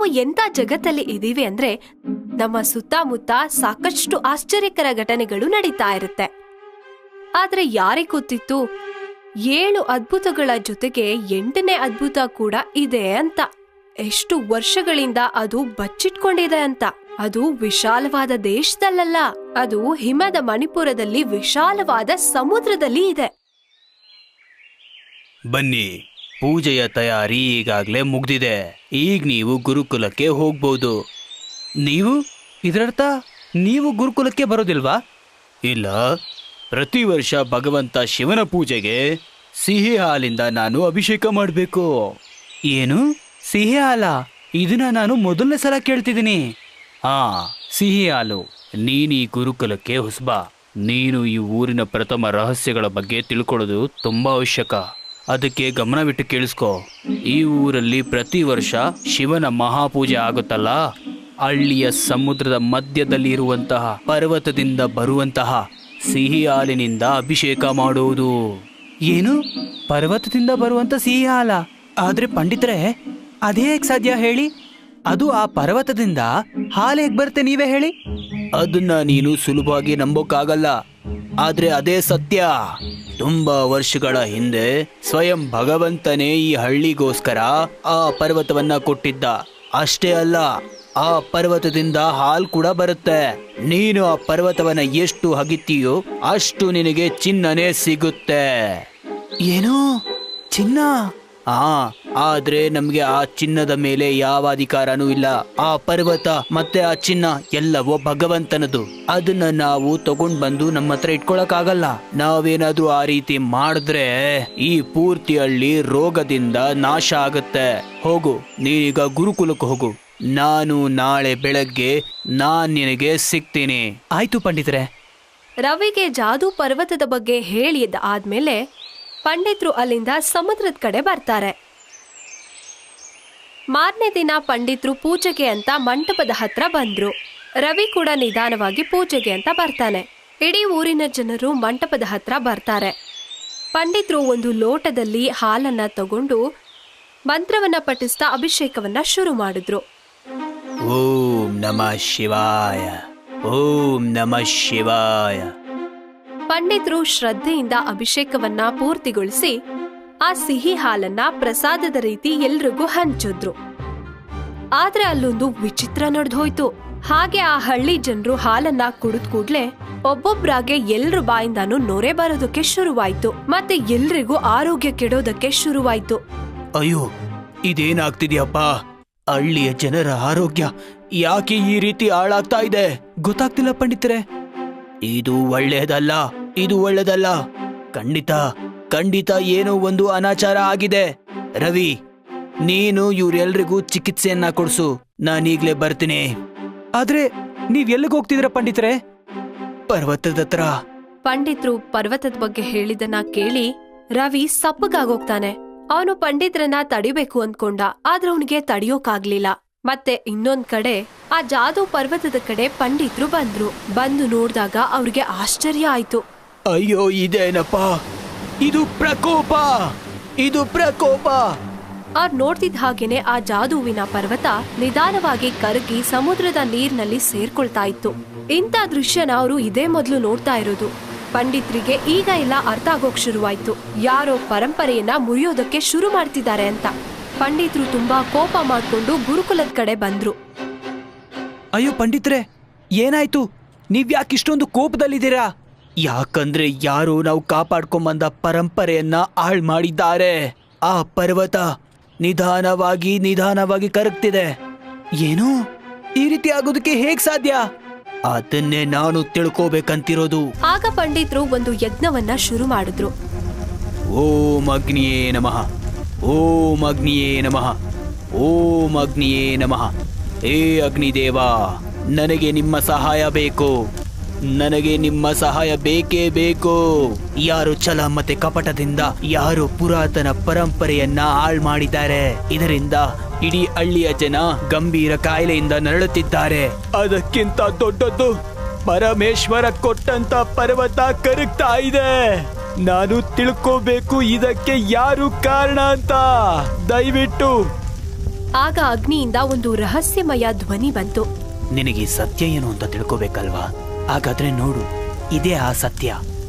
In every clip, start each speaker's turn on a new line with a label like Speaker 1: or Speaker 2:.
Speaker 1: ನಾವು ಎಂತ ಜಗತ್ತಲ್ಲಿ ಇದೀವಿ ಅಂದ್ರೆ ನಮ್ಮ ಸುತ್ತಮುತ್ತ ಸಾಕಷ್ಟು ಆಶ್ಚರ್ಯಕರ ಘಟನೆಗಳು ನಡೀತಾ ಇರುತ್ತೆ. ಆದ್ರೆ ಯಾರಿಗೆ ಗೊತ್ತಿತ್ತು 7 ಅದ್ಭುತಗಳ ಜೊತೆಗೆ 8ನೇ ಅದ್ಭುತ ಕೂಡ ಇದೆ ಅಂತ. ಎಷ್ಟು ವರ್ಷಗಳಿಂದ ಅದು ಬಚ್ಚಿಟ್ಕೊಂಡಿದೆ ಅಂತ. ಅದು ವಿಶಾಲವಾದ ದೇಶದಲ್ಲ, ಅದು ಹಿಮದ ಮಣಿಪುರದಲ್ಲಿ ವಿಶಾಲವಾದ ಸಮುದ್ರದಲ್ಲಿ ಇದೆ.
Speaker 2: ಬನ್ನಿ, ಪೂಜೆಯ ತಯಾರಿ ಈಗಾಗಲೇ ಮುಗ್ದಿದೆ. ಈಗ ನೀವು ಗುರುಕುಲಕ್ಕೆ ಹೋಗ್ಬೋದು. ಇದರರ್ಥ ನೀವು ಗುರುಕುಲಕ್ಕೆ ಬರೋದಿಲ್ವಾ? ಇಲ್ಲ, ಪ್ರತಿ ವರ್ಷ ಭಗವಂತ ಶಿವನ ಪೂಜೆಗೆ ಸಿಹಿ ಹಾಲಿಂದ ನಾನು ಅಭಿಷೇಕ ಮಾಡಬೇಕು. ಏನು ಸಿಹಿ ಹಾಲ? ಇದನ್ನ ನಾನು ಮೊದಲನೇ ಸಲ ಕೇಳ್ತಿದ್ದೀನಿ. ಸಿಹಿ ಹಾಲು. ನೀನು ಈ ಗುರುಕುಲಕ್ಕೆ ಹೊಸಬ. ನೀನು ಈ ಊರಿನ ಪ್ರಥಮ ರಹಸ್ಯಗಳ ಬಗ್ಗೆ ತಿಳ್ಕೊಳ್ಳೋದು ತುಂಬಾ ಅವಶ್ಯಕ. ಅದಕ್ಕೆ ಗಮನವಿಟ್ಟು ಕೇಳಿಸ್ಕೊ. ಈ ಊರಲ್ಲಿ ಪ್ರತಿ ವರ್ಷ ಶಿವನ ಮಹಾಪೂಜೆ ಆಗುತ್ತಲ್ಲ, ಹಳ್ಳಿಯ ಸಮುದ್ರದ ಮಧ್ಯದಲ್ಲಿ ಇರುವಂತಹ ಪರ್ವತದಿಂದ ಬರುವಂತಹ ಸಿಹಿ ಹಾಲಿನಿಂದ ಅಭಿಷೇಕ ಮಾಡುವುದು. ಏನು ಪರ್ವತದಿಂದ ಬರುವಂತ ಸಿಹಿ ಹಾಲ? ಆದ್ರೆ ಪಂಡಿತರೆ, ಅದೇ ಹೇಗೆ ಸಾಧ್ಯ ಹೇಳಿ? ಅದು ಆ ಪರ್ವತದಿಂದ ಹಾಲು ಹೇಗೆ ಬರುತ್ತೆ, ನೀವೇ ಹೇಳಿ. ಅದನ್ನ ನೀನು ಸುಲಭವಾಗಿ ನಂಬೋಕ್ಕಾಗಲ್ಲ, ಆದ್ರೆ ಅದೇ ಸತ್ಯ. ತುಂಬಾ ವರ್ಷಗಳ ಹಿಂದೆ ಸ್ವಯಂ ಭಗವಂತನೇ ಈ ಹಳ್ಳಿಗೋಸ್ಕರ ಆ ಪರ್ವತವನ್ನ ಕೊಟ್ಟಿದ್ದ. ಅಷ್ಟೇ ಅಲ್ಲ, ಆ ಪರ್ವತದಿಂದ ಹಾಲು ಕೂಡ ಬರುತ್ತೆ. ನೀನು ಆ ಪರ್ವತವನ್ನ ಎಷ್ಟು ಹಗಿತೀಯೋ ಅಷ್ಟು ನಿನಗೆ ಚಿನ್ನನೇ ಸಿಗುತ್ತೆ. ಏನು ಚಿನ್ನ? ಆದ್ರೆ ನಮ್ಗೆ ಆ ಚಿನ್ನದ ಮೇಲೆ ಯಾವ ಅಧಿಕಾರನೂ ಇಲ್ಲ. ಆ ಪರ್ವತ ಮತ್ತೆ ಆ ಚಿನ್ನ ಎಲ್ಲವೋ ಭಗವಂತನದು. ಅದನ್ನ ನಾವು ತಗೊಂಡ್ ಬಂದು ನಮ್ಮ ಹತ್ರ ಇಟ್ಕೊಳಕ್ಕಾಗಲ್ಲ. ನಾವೇನಾದ್ರೂ ಆ ರೀತಿ ಮಾಡಿದ್ರೆ ಈ ಪೂರ್ತಿ ಹಳ್ಳಿ ರೋಗದಿಂದ ನಾಶ ಆಗುತ್ತೆ. ಹೋಗು, ನೀನೀಗ ಗುರುಕುಲಕ್ಕೆ ಹೋಗು. ನಾನು ನಾಳೆ ಬೆಳಗ್ಗೆ ನಿನಗೆ ಸಿಗ್ತೀನಿ. ಆಯ್ತು ಪಂಡಿತರೆ.
Speaker 1: ರವಿಗೆ ಜಾದೂ ಪರ್ವತದ ಬಗ್ಗೆ ಹೇಳಿದ ಆದ್ಮೇಲೆ ಪಂಡಿತರು ಅಲ್ಲಿಂದ ಸಮುದ್ರದ ಕಡೆ ಬರ್ತಾರೆ. ಮಾರನೇ ದಿನ ಪಂಡಿತರು ಪೂಜೆಗೆ ಅಂತ ಮಂಟಪದ ಹತ್ರ ಬಂದ್ರು. ರವಿ ಕೂಡ ನಿಧಾನವಾಗಿ ಪೂಜೆಗೆ ಅಂತ ಬರ್ತಾನೆ. ಇಡೀ ಊರಿನ ಜನರು ಮಂಟಪದ ಹತ್ರ ಬರ್ತಾರೆ. ಪಂಡಿತರು ಒಂದು ಲೋಟದಲ್ಲಿ ಹಾಲನ್ನ ತಗೊಂಡು ಮಂತ್ರವನ್ನ ಪಠಿಸ್ತಾ ಅಭಿಷೇಕವನ್ನ ಶುರು ಮಾಡಿದ್ರು.
Speaker 2: ಓಂ ನಮಃ ಶಿವಾಯ, ಓಂ ನಮಃ ಶಿವಾಯ.
Speaker 1: ಪಂಡಿತರು ಶ್ರದ್ಧೆಯಿಂದ ಅಭಿಷೇಕವನ್ನ ಪೂರ್ತಿಗೊಳಿಸಿ ಆ ಸಿಹಿ ಹಾಲನ್ನ ಪ್ರಸಾದದ ರೀತಿ ಎಲ್ರಿಗೂ ಹಂಚಿದ್ರು. ಆದ್ರೆ ಅಲ್ಲೊಂದು ವಿಚಿತ್ರ ನಡೆದೋಯ್ತು. ಹಾಗೆ ಆ ಹಳ್ಳಿ ಜನರು ಹಾಲನ್ನ ಕುಡಿದ ಕೂಡ್ಲೆ ಒಬ್ಬೊಬ್ರಾಗೆ ಎಲ್ರ ಬಾಯಿಂದಾನು ನೊರೆ ಬರೋದಕ್ಕೆ ಶುರುವಾಯ್ತು. ಮತ್ತೆ ಎಲ್ರಿಗೂ ಆರೋಗ್ಯ ಕೆಡೋದಕ್ಕೆ ಶುರುವಾಯ್ತು.
Speaker 2: ಅಯ್ಯೋ, ಇದೇನಾಗ್ತಿದ್ಯಪ್ಪ? ಹಳ್ಳಿಯ ಜನರ ಆರೋಗ್ಯ ಯಾಕೆ ಈ ರೀತಿ ಹಾಳಾಗ್ತಾ ಇದೆ? ಗೊತ್ತಾಗ್ತಿಲ್ಲ ಪಂಡಿತರೆ. ಇದು ಒಳ್ಳೇದಲ್ಲ, ಇದು ಒಳ್ಳೇದಲ್ಲ. ಖಂಡಿತ ಏನೋ ಒಂದು ಅನಾಚಾರ ಆಗಿದೆ. ರವಿ, ನೀನು ಇವ್ರೆಲ್ರಿಗೂ ಚಿಕಿತ್ಸೆಯನ್ನ ಕೊಡ್ಸು. ನಾನೀಗ್ಲೇ ಬರ್ತೀನಿ. ಆದ್ರೆ ನೀವ್ ಎಲ್ಲಿಗೆ ಹೋಗ್ತಿದ್ರ ಪಂಡಿತರೆ? ಪರ್ವತದ ಹತ್ರ.
Speaker 1: ಪಂಡಿತರು ಪರ್ವತದ ಬಗ್ಗೆ ಹೇಳಿದನ್ನ ಕೇಳಿ ರವಿ ಸಪ್ಪಗಾಗೋಗ್ತಾನೆ. ಅವನು ಪಂಡಿತರನ್ನ ತಡಿಬೇಕು ಅಂದ್ಕೊಂಡ, ಆದ್ರೆ ಅವನಿಗೆ ತಡಿಯೋಕಾಗ್ಲಿಲ್ಲ. ಮತ್ತೆ ಇನ್ನೊಂದ್ ಕಡೆ ಆ ಜಾದೂ ಪರ್ವತದ ಕಡೆ ಪಂಡಿತರು ಬಂದು ನೋಡಿದಾಗ ಅವ್ರಿಗೆ ಆಶ್ಚರ್ಯ ಆಯ್ತು.
Speaker 2: ಅಯ್ಯೋ, ಇದೇನಪ್ಪ? ಇದು ಪ್ರಕೋಪ!
Speaker 1: ಅವ್ರು ನೋಡ್ತಿದ್ದ ಹಾಗೇನೆ ಆ ಜಾದೂವಿನ ಪರ್ವತ ನಿಧಾನವಾಗಿ ಕರಗಿ ಸಮುದ್ರದ ನೀರಿನಲ್ಲಿ ಸೇರ್ಕೊಳ್ತಾ ಇತ್ತು. ಇಂಥ ದೃಶ್ಯನ ಅವರು ಇದೇ ಮೊದಲು ನೋಡ್ತಾ ಇರೋದು. ಪಂಡಿತರಿಗೆ ಈಗ ಎಲ್ಲ ಅರ್ಥ ಆಗೋಕ್ ಶುರುವಾಯ್ತು. ಯಾರೋ ಪರಂಪರೆಯನ್ನ ಮುರಿಯೋದಕ್ಕೆ ಶುರು ಮಾಡ್ತಿದ್ದಾರೆ ಅಂತ. ಪಂಡಿತರು ತುಂಬಾ ಕೋಪ ಮಾಡ್ಕೊಂಡು ಗುರುಕುಲದ ಕಡೆ ಬಂದ್ರು.
Speaker 2: ಅಯ್ಯೋ ಪಂಡಿತ್ರೆ, ಏನಾಯ್ತು? ನೀವ್ಯಾಕೆ ಇಷ್ಟೊಂದು ಕೋಪದಲ್ಲಿದ್ದೀರಾ? ಯಾಕಂದ್ರೆ ಯಾರು ನಾವು ಕಾಪಾಡ್ಕೊಂಬಂದ ಪರಂಪರೆಯನ್ನ ಹಾಳು ಮಾಡಿದ್ದಾರೆ. ಆ ಪರ್ವತ ನಿಧಾನವಾಗಿ ಕರಗ್ತಿದೆ. ಏನು? ಈ ರೀತಿ ಆಗೋದಕ್ಕೆ ಹೇಗ್ ಸಾಧ್ಯ? ಅದನ್ನೇ ನಾನು ತಿಳ್ಕೋಬೇಕಂತಿರೋದು.
Speaker 1: ಆಗ ಪಂಡಿತರು ಒಂದು ಯಜ್ಞವನ್ನ ಶುರು ಮಾಡಿದ್ರು.
Speaker 2: ಓಂ ಅಗ್ನಿಯೇ ನಮಃ, ಓಂ ಅಗ್ನಿಯೇ ನಮಃ, ಓಂ ಅಗ್ನಿಯೇ ನಮಃ. ಹೇ ಅಗ್ನಿದೇವ, ನನಗೆ ನಿಮ್ಮ ಸಹಾಯ ಬೇಕು. ನನಗೆ ನಿಮ್ಮ ಸಹಾಯ ಬೇಕೇ ಬೇಕು. ಯಾರು ಛಲ ಮತ್ತೆ ಕಪಟದಿಂದ ಯಾರು ಪುರಾತನ ಪರಂಪರೆಯನ್ನ ಹಾಳು ಮಾಡಿದ್ದಾರೆ. ಇದರಿಂದ ಇಡೀ ಹಳ್ಳಿಯ ಜನ ಗಂಭೀರ ಕಾಯಿಲೆಯಿಂದ ನರಳುತ್ತಿದ್ದಾರೆ. ಅದಕ್ಕಿಂತ ದೊಡ್ಡದ್ದು ಪರಮೇಶ್ವರ ಕೊಟ್ಟಂತ ಪರ್ವತ ಕರಗ್ತಾ ಇದೆ. ನಾನು ತಿಳ್ಕೋಬೇಕು ಇದಕ್ಕೆ ಯಾರು ಕಾರಣ ಅಂತ. ದಯವಿಟ್ಟು
Speaker 1: ಆಗ ಅಗ್ನಿಯಿಂದ ಒಂದು ರಹಸ್ಯಮಯ ಧ್ವನಿ ಬಂತು.
Speaker 2: ನಿನಗೆ ಈ ಸತ್ಯ ಏನು ಅಂತ ತಿಳ್ಕೋಬೇಕಲ್ವಾ? ಹಾಗಾದ್ರೆ ನೋಡು, ಇದೇ ಆ ಸತ್ಯ.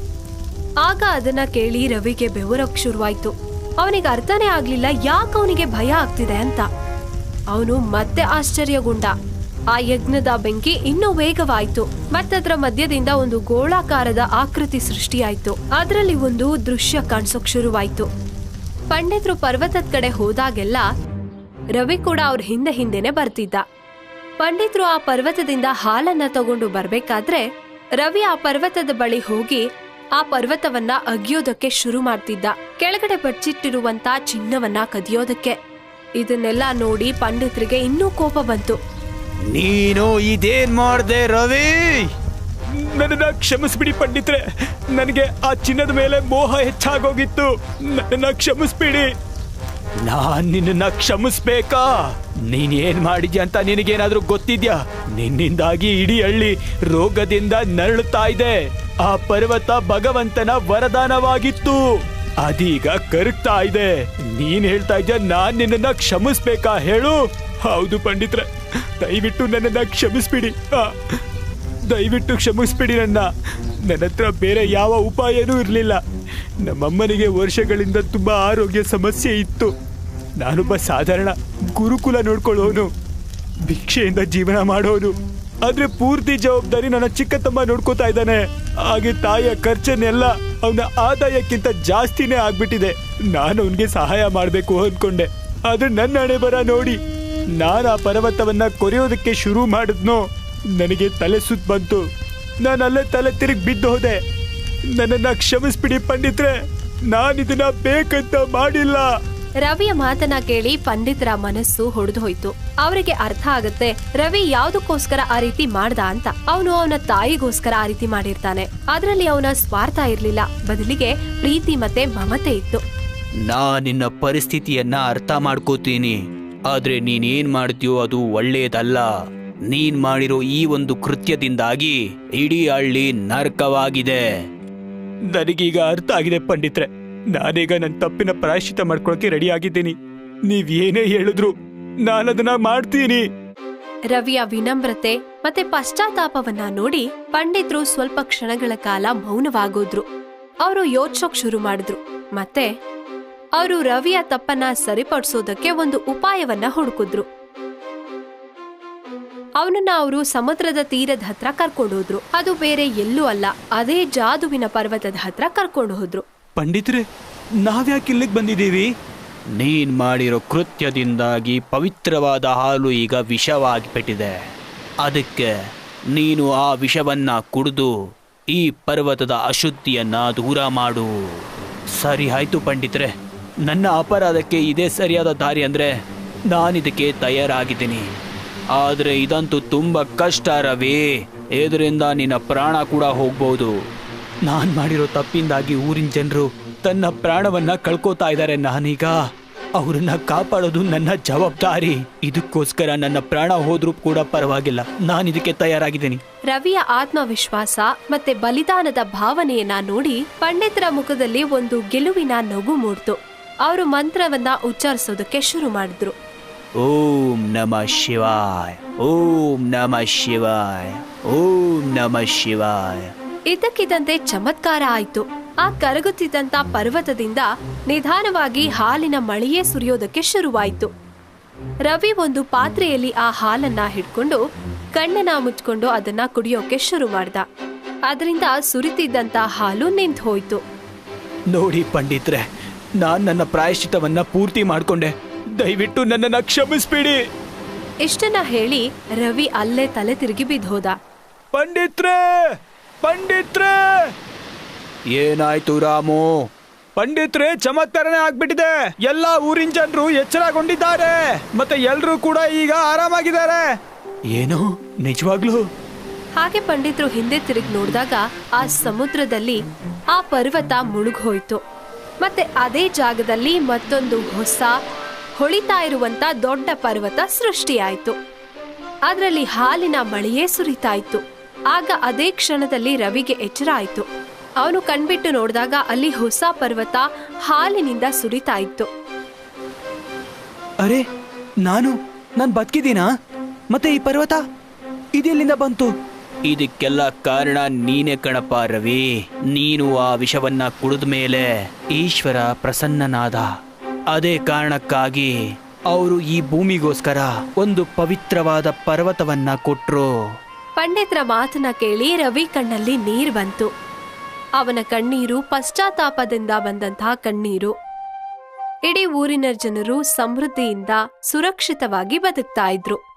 Speaker 1: ಆಗ ಅದನ್ನ ಕೇಳಿ ರವಿಗೆ ಬೆವರಕ್ ಶುರುವಾಯ್ತು. ಅವನಿಗೆ ಅರ್ಥನೇ ಆಗ್ಲಿಲ್ಲ ಯಾಕೆ ಅವನಿಗೆ ಭಯ ಆಗ್ತಿದೆ ಅಂತ. ಅವನು ಮತ್ತೆ ಆಶ್ಚರ್ಯಗೊಂಡ. ಆ ಯಜ್ಞದ ಬೆಂಕಿ ಇನ್ನೂ ವೇಗವಾಯ್ತು. ಮತ್ತದ್ರ ಮಧ್ಯದಿಂದ ಒಂದು ಗೋಳಾಕಾರದ ಆಕೃತಿ ಸೃಷ್ಟಿಯಾಯ್ತು. ಅದರಲ್ಲಿ ಒಂದು ದೃಶ್ಯ ಕಾಣಿಸೋಕ್ ಶುರುವಾಯ್ತು. ಪಂಡಿತರು ಪರ್ವತದ ಕಡೆ ಹೋದಾಗೆಲ್ಲ ರವಿ ಕೂಡ ಅವ್ರ ಹಿಂದೆನೆ ಬರ್ತಿದ್ದ. ಪಂಡಿತರು ಆ ಪರ್ವತದಿಂದ ಹಾಲನ್ನ ತಗೊಂಡು ಬರ್ಬೇಕಾದ್ರೆ ರವಿ ಆ ಪರ್ವತದ ಬಳಿ ಹೋಗಿ ಆ ಪರ್ವತವನ್ನ ಅಗಿಯೋದಕ್ಕೆ ಶುರು ಮಾಡ್ತಿದ್ದ, ಕೆಳಗಡೆ ಬಚ್ಚಿಟ್ಟಿರುವಂತ ಚಿನ್ನವನ್ನ ಕದಿಯೋದಕ್ಕೆ. ಇದನ್ನೆಲ್ಲ ನೋಡಿ ಪಂಡಿತರಿಗೆ ಇನ್ನೂ ಕೋಪ ಬಂತು.
Speaker 2: ನೀನು ಇದೇನ್ ಮಾಡ್ದೆ ರವಿ?
Speaker 3: ನನ್ನನ್ನ ಕ್ಷಮಿಸ್ಬಿಡಿ ಪಂಡಿತ್ರೆ, ನನಗೆ ಆ ಚಿನ್ನದ ಮೇಲೆ ಮೋಹ ಹೆಚ್ಚಾಗೋಗಿತ್ತು. ನನ್ನನ್ನ ಕ್ಷಮಿಸ್ಬಿಡಿ.
Speaker 2: ನಾನ್ ನಿನ್ನ ಕ್ಷಮಿಸ್ಬೇಕಾ? ನೀನ್ ಏನ್ ಮಾಡಿದ್ಯಾ ಅಂತ ನಿನಗೇನಾದ್ರೂ ಗೊತ್ತಿದ್ಯಾ? ನಿನ್ನಿಂದಾಗಿ ಇಡೀ ಹಳ್ಳಿ ರೋಗದಿಂದ ನರಳುತ್ತಾ ಇದೆ. ಆ ಪರ್ವತ ಭಗವಂತನ ವರದಾನವಾಗಿತ್ತು, ಅದೀಗ ಕರಗ್ತಾ ಇದೆ. ನೀನ್ ಹೇಳ್ತಾ ಇದ್ಯಾ ನಾನ್ ನಿನ್ನ ಕ್ಷಮಿಸ್ಬೇಕಾ ಹೇಳು?
Speaker 3: ಹೌದು ಪಂಡಿತ್ರೆ, ದಯವಿಟ್ಟು ನನ್ನನ್ನ ಕ್ಷಮಿಸ್ಬಿಡಿ. ದಯವಿಟ್ಟು ಕ್ಷಮಿಸ್ಬಿಡಿ. ನನ್ನ ಹತ್ರ ಬೇರೆ ಯಾವ ಉಪಾಯನೂ ಇರಲಿಲ್ಲ. ನಮ್ಮಮ್ಮನಿಗೆ ವರ್ಷಗಳಿಂದ ತುಂಬಾ ಆರೋಗ್ಯ ಸಮಸ್ಯೆ ಇತ್ತು. ನಾನೊಬ್ಬ ಸಾಧಾರಣ ಗುರುಕುಲ ನೋಡ್ಕೊಳ್ಳೋನು, ಭಿಕ್ಷೆಯಿಂದ ಜೀವನ ಮಾಡೋನು. ಆದ್ರೆ ಪೂರ್ತಿ ಜವಾಬ್ದಾರಿ ನನ್ನ ಚಿಕ್ಕ ತಮ್ಮ ನೋಡ್ಕೋತಾ ಇದ್ದಾನೆ. ಹಾಗೆ ತಾಯಿಯ ಖರ್ಚನ್ನೆಲ್ಲ ಅವನ ಆದಾಯಕ್ಕಿಂತ ಜಾಸ್ತಿನೇ ಆಗ್ಬಿಟ್ಟಿದೆ. ನಾನು ಅವನಿಗೆ ಸಹಾಯ ಮಾಡಬೇಕು ಅನ್ಕೊಂಡೆ. ಆದ್ರೆ ನನ್ನ ಹಣೆ ಬರ ನೋಡಿ, ನಾನು ಆ ಪರ್ವತವನ್ನ ಕೊರೆಯೋದಕ್ಕೆ ಶುರು ಮಾಡಿದ್ನೋ ನನಗೆ ತಲೆ ಸುತ್ತ ಬಂತು. ನಾನು ಅಲ್ಲೇ ತಲೆ ತಿರುಗಿ ಬಿದ್ದು ಹೋದೆ. ನನ್ನನ್ನ ಕ್ಷಮಿಸ್ಬಿಡಿ ಪಂಡಿತ್ರೆ, ನಾನಿದನ್ನ ಬೇಕಂತ ಮಾಡಿಲ್ಲ.
Speaker 1: ರವಿಯ ಮಾತನ್ನ ಕೇಳಿ ಪಂಡಿತರ ಮನಸ್ಸು ಹೊಡೆದು ಹೋಯ್ತು. ಅವರಿಗೆ ಅರ್ಥ ಆಗತ್ತೆ ರವಿ ಯಾವ್ದಕ್ಕೋಸ್ಕರ ಆ ರೀತಿ ಮಾಡ್ದ ಅಂತ. ಅವನು ಅವನ ತಾಯಿಗೋಸ್ಕರ ಆ ರೀತಿ ಮಾಡಿರ್ತಾನೆ. ಅದ್ರಲ್ಲಿ ಅವನ ಸ್ವಾರ್ಥ ಇರ್ಲಿಲ್ಲ, ಬದಲಿಗೆ ಪ್ರೀತಿ ಮತ್ತೆ ಮಮತೆ ಇತ್ತು.
Speaker 2: ನಿನ್ನ ಪರಿಸ್ಥಿತಿಯನ್ನ ಅರ್ಥ ಮಾಡ್ಕೋತೀನಿ, ಆದ್ರೆ ನೀನೇನ್ ಮಾಡ್ತೀಯೋ ಅದು ಒಳ್ಳೇದಲ್ಲ. ನೀನ್ ಮಾಡಿರೋ ಈ ಒಂದು ಕೃತ್ಯದಿಂದಾಗಿ ಇಡೀ ಹಳ್ಳಿ ನರಕವಾಗಿದೆ.
Speaker 3: ನನಗೀಗ ಅರ್ಥ ಆಗಿದೆ ಪಂಡಿತ್ರೆ. ನಾನೀಗ ನನ್ನ ತಪ್ಪಿನ ಪ್ರಾಯಶ್ಚಿತ್ತ ಮಾಡ್ಕೊಳಕ್ಕೆ ರೆಡಿ ಆಗಿದ್ದೀನಿ. ನೀವ್ ಏನೇ ಹೇಳಿದ್ರು ನಾನದನ್ನ ಮಾಡ್ತೀನಿ.
Speaker 1: ರವಿಯ ವಿನಮ್ರತೆ ಮತ್ತೆ ಪಶ್ಚಾತ್ತಾಪವನ್ನ ನೋಡಿ ಪಂಡಿತರು ಸ್ವಲ್ಪ ಕ್ಷಣಗಳ ಕಾಲ ಮೌನವಾಗೋದ್ರು. ಅವರು ಯೋಚಿಸೋಕ್ ಶುರು ಮಾಡಿದ್ರು. ಮತ್ತೆ ಅವರು ರವಿಯ ತಪ್ಪನ್ನ ಸರಿಪಡಿಸೋದಕ್ಕೆ ಒಂದು ಉಪಾಯವನ್ನ ಹುಡುಕಿದ್ರು. ಅವನನ್ನ ಅವರು ಸಮುದ್ರದ ತೀರದ ಹತ್ರ ಕರ್ಕೊಂಡು ಹೋದ್ರು. ಅದು ಬೇರೆ ಎಲ್ಲೂ ಅಲ್ಲ, ಅದೇ ಜಾದುವಿನ ಪರ್ವತದ ಹತ್ರ ಕರ್ಕೊಂಡು ಹೋದ್ರು.
Speaker 3: ಪಂಡಿತ್ರೆ, ನಾವ್ಯಾಕೆ ಇಲ್ಲಿಗೆ ಬಂದಿದ್ದೀವಿ?
Speaker 2: ನೀನ್ ಮಾಡಿರೋ ಕೃತ್ಯದಿಂದಾಗಿ ಪವಿತ್ರವಾದ ಹಾಲು ಈಗ ವಿಷವಾಗಿಬಿಟ್ಟಿದೆ. ಅದಕ್ಕೆ ನೀನು ಆ ವಿಷವನ್ನ ಕುಡಿದು ಈ ಪರ್ವತದ ಅಶುದ್ಧಿಯನ್ನ ದೂರ ಮಾಡು. ಸರಿ ಆಯ್ತು ಪಂಡಿತ್ರೆ, ನನ್ನ ಅಪರಾಧಕ್ಕೆ ಇದೇ ಸರಿಯಾದ ದಾರಿ ಅಂದ್ರೆ ನಾನಿದಕ್ಕೆ ತಯಾರಾಗಿದ್ದೀನಿ. ಆದ್ರೆ ಇದಂತೂ ತುಂಬಾ ಕಷ್ಟ ರವಿ. ಇದರಿಂದ ನಿನ್ನ ಪ್ರಾಣ ಕೂಡ ಹೋಗ್ಬೋದು.
Speaker 3: ನಾನ್ ಮಾಡಿರೋ ತಪ್ಪಿಂದಾಗಿ ಊರಿನ ಜನರು ತನ್ನ ಪ್ರಾಣವನ್ನ ಕಳ್ಕೋತಾ ಇದ್ದಾರೆ. ನಾನೀಗ ಅವರನ್ನ ಕಾಪಾಡೋದು ನನ್ನ ಜವಾಬ್ದಾರಿ. ಇದಕ್ಕೋಸ್ಕರ ನನ್ನ ಪ್ರಾಣ ಹೋದ್ರೂ ಕೂಡ ಪರವಾಗಿಲ್ಲ, ನಾನಿದಕ್ಕೆ ತಯಾರಾಗಿದ್ದೀನಿ.
Speaker 1: ರವಿಯ ಆತ್ಮವಿಶ್ವಾಸ ಮತ್ತೆ ಬಲಿದಾನದ ಭಾವನೆಯನ್ನ ನೋಡಿ ಪಂಡಿತರ ಮುಖದಲ್ಲಿ ಒಂದು ಗೆಲುವಿನ ನಗು ಮೂಡ್ತು. ಅವರು ಮಂತ್ರವನ್ನ ಉಚ್ಚರಿಸೋದಕ್ಕೆ ಶುರು ಮಾಡಿದ್ರು.
Speaker 2: ಓಂ ನಮಃ ಶಿವಾಯ, ಓಂ ನಮಃ ಶಿವಾಯ, ಓಂ ನಮಃ ಶಿವಾಯ.
Speaker 1: ಇದ್ದಕ್ಕಿದ್ದಂತೆ ಚಮತ್ಕಾರ ಆಯ್ತು. ಆ ಕರಗುತ್ತಿದ್ದಂತ ಪರ್ವತದಿಂದ ನಿಧಾನವಾಗಿ ಹಾಲಿನ ಮಳೆಯೇ ಸುರಿಯೋದಕ್ಕೆ ಶುರುವಾಯ್ತು. ರವಿ ಒಂದು ಪಾತ್ರೆಯಲ್ಲಿ ಆ ಹಾಲನ್ನ ಹಿಡ್ಕೊಂಡು ಕಣ್ಣನ್ನ ಮುಚ್ಕೊಂಡು ಅದನ್ನ ಕುಡಿಯೋಕೆ ಶುರು ಮಾಡ್ದ. ಅದರಿಂದ ಸುರಿತಿದ್ದಂತ ಹಾಲು ನಿಂತು ಹೋಯ್ತು.
Speaker 3: ನೋಡಿ ಪಂಡಿತ್ರೆ, ನಾನ್ ನನ್ನ ಪ್ರಾಯಶ್ಚಿತವನ್ನ ಪೂರ್ತಿ ಮಾಡ್ಕೊಂಡೆ. ದಯವಿಟ್ಟು ನನ್ನನ್ನ ಕ್ಷಮಿಸ್ಬಿಡಿ.
Speaker 1: ಇಷ್ಟನ್ನ ಹೇಳಿ ರವಿ ಅಲ್ಲೇ ತಲೆ ತಿರುಗಿ ಬಿದ್ದೋದ.
Speaker 3: ಪಂಡಿತ್ರೆ, ಪಂಡಿತ್ರೆ!
Speaker 2: ಏನಾಯ್ತು ರಾಮು?
Speaker 3: ಪಂಡಿತ್ರೆ, ಚಮತ್ಕಾರನೇ ಆಗ್ಬಿಟ್ಟಿದೆ. ಎಲ್ಲಾ ಊರಿನ ಜನರು ಎಚ್ಚರಗೊಂಡಿದ್ದಾರೆ, ಮತ್ತೆ ಎಲ್ರೂ ಕೂಡ ಈಗ ಆರಾಮಾಗಿದ್ದಾರೆ. ಏನು, ನಿಜವಾಗ್ಲೂ?
Speaker 1: ಹಾಗೆ ಪಂಡಿತರು ಹಿಂದೆ ತಿರುಗಿ ನೋಡಿದಾಗ ಆ ಸಮುದ್ರದಲ್ಲಿ ಆ ಪರ್ವತ ಮುಳುಗೋಯ್ತು. ಮತ್ತೆ ಅದೇ ಜಾಗದಲ್ಲಿ ಮತ್ತೊಂದು ಹೊಸ ಹೊಳಿತಾ ಇರುವಂತ ದೊಡ್ಡ ಪರ್ವತ ಸೃಷ್ಟಿಯಾಯ್ತು. ಅದರಲ್ಲಿ ಹಾಲಿನ ಮಳೆಯೇ ಸುರಿತಾ ಇತ್ತು. ಆಗ ಅದೇ ಕ್ಷಣದಲ್ಲಿ ರವಿಗೆ ಎಚ್ಚರ ಆಯ್ತು. ಅವನು ಕಣ್ಬಿಟ್ಟು ನೋಡಿದಾಗ ಅಲ್ಲಿ ಹೊಸ ಪರ್ವತ ಹಾಲಿನಿಂದ ಸುರಿತಾ ಇತ್ತು.
Speaker 3: ಅರೆ,
Speaker 2: ನಾನು ಬದುಕಿದ್ದೀನಾ? ಮತ್ತೆ ಈ ಪರ್ವತ ಇದೆಲ್ಲಿಂದ ಬಂತು? ಇದಕ್ಕೆಲ್ಲ ಕಾರಣ ನೀನೇ ಕಣಪ್ಪ ರವಿ. ನೀನು ಆ ವಿಷವನ್ನ ಕುಡಿದ ಮೇಲೆ ಈಶ್ವರ ಪ್ರಸನ್ನನಾದ. ಅದೇ ಕಾರಣಕ್ಕಾಗಿ ಅವರು ಈ ಭೂಮಿಗೋಸ್ಕರ ಒಂದು ಪವಿತ್ರವಾದ ಪರ್ವತವನ್ನ ಕೊಟ್ರು.
Speaker 1: ಪಂಡಿತರ ಮಾತನ್ನ ಕೇಳಿ ರವಿ ಕಣ್ಣಲ್ಲಿ ನೀರ್ ಬಂತು. ಅವನ ಕಣ್ಣೀರು ಪಶ್ಚಾತ್ತಾಪದಿಂದ ಬಂದಂತಹ ಕಣ್ಣೀರು. ಇಡೀ ಊರಿನ ಜನರು ಸಮೃದ್ಧಿಯಿಂದ ಸುರಕ್ಷಿತವಾಗಿ ಬದುಕ್ತಾ ಇದ್ರು.